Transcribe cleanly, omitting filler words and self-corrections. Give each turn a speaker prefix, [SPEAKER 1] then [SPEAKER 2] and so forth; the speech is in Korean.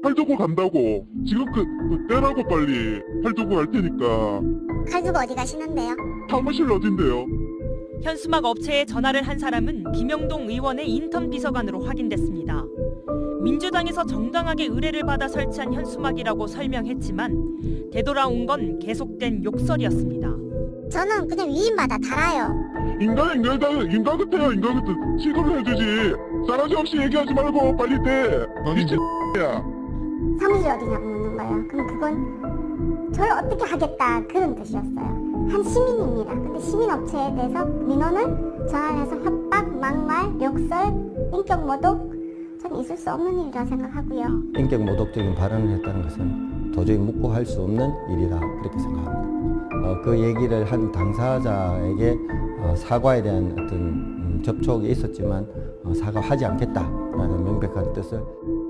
[SPEAKER 1] 팔 두고 간다고. 지금 떼라고 빨리. 팔 두고 갈 테니까.
[SPEAKER 2] 칼 두고 어디 가시는데요?
[SPEAKER 1] 사무실 어딘데요?
[SPEAKER 3] 현수막 업체에 전화를 한 사람은 김영동 의원의 인턴 비서관으로 확인됐습니다. 민주당에서 정당하게 의뢰를 받아 설치한 현수막이라고 설명했지만 되돌아온 건 계속된 욕설이었습니다.
[SPEAKER 2] 저는 그냥 위임마다 달아요.
[SPEAKER 1] 인간 같아요. 인간 같아. 취급을 해주지. 싸가지 없이 얘기하지 말고 빨리 떼. 미친야.
[SPEAKER 2] 사무실 어디냐고 묻는 거예요. 그럼 그건 저를 어떻게 하겠다 그런 뜻이었어요. 한 시민입니다. 근데 시민업체에 대해서 민원을 전환해서 협박, 막말, 욕설, 인격 모독 저는 있을 수 없는 일이라 생각하고요.
[SPEAKER 4] 인격 모독적인 발언을 했다는 것은 도저히 묵고 할 수 없는 일이라 그렇게 생각합니다. 그 얘기를 한 당사자에게 사과에 대한 어떤 접촉이 있었지만 사과하지 않겠다라는 명백한 뜻을